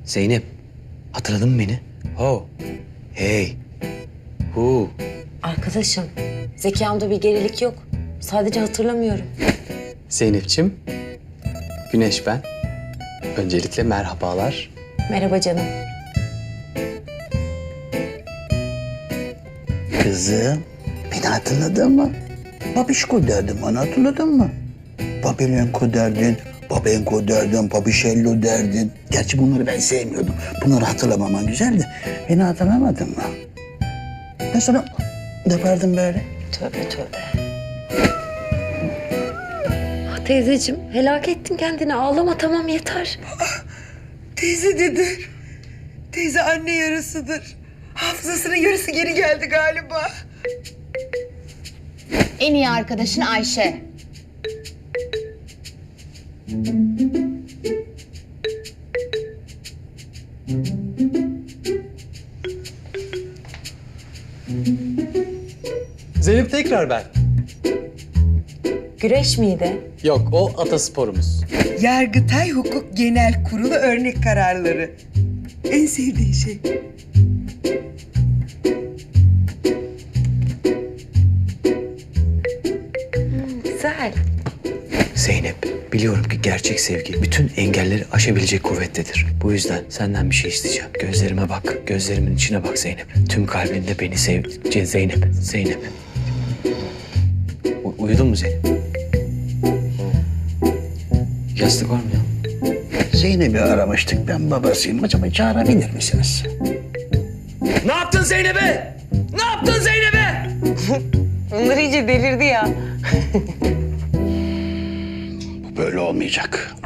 Zeynep, hatırladın mı beni? Ho, hey, hu. Arkadaşım, zekamda bir gerilik yok. Sadece hatırlamıyorum. Zeynep'ciğim, Güneş ben. Öncelikle merhabalar. Merhaba canım. Kızım, beni hatırladın mı? Babişko derdim, onu hatırladın mı? Babelenko derdin, Babenko derdin, Babişello derdin. Gerçi bunları ben sevmiyordum. Bunları hatırlamaman güzel de beni hatırlamadın mı? Ben sana yapardım böyle. Tövbe tövbe. Ah teyzeciğim, helak ettin kendini. Ağlama, tamam yeter. Teyze dedi. Teyze anne yarısıdır. Hafızasının yarısı geri geldi galiba. En iyi arkadaşın Ayşe. Zeynep tekrar ben. Güreş miydi? Yok, o atasporumuz. Yargıtay Hukuk Genel Kurulu örnek kararları. En sevdiğin şey. Güzel. Zeynep, biliyorum ki gerçek sevgi bütün engelleri aşabilecek kuvvettedir. Bu yüzden senden bir şey isteyeceğim. Gözlerime bak, gözlerimin içine bak Zeynep. Tüm kalbinde beni sev... Zeynep. Uyudun mu Zeynep? Yastık var mı ya? Zeynep'i aramıştık, ben babasıyım. Acaba çağırabilir misiniz? Ne yaptın Zeynep'e? Ne yaptın Zeynep'e? Bunlar iyice delirdi ya. Bu böyle olmayacak.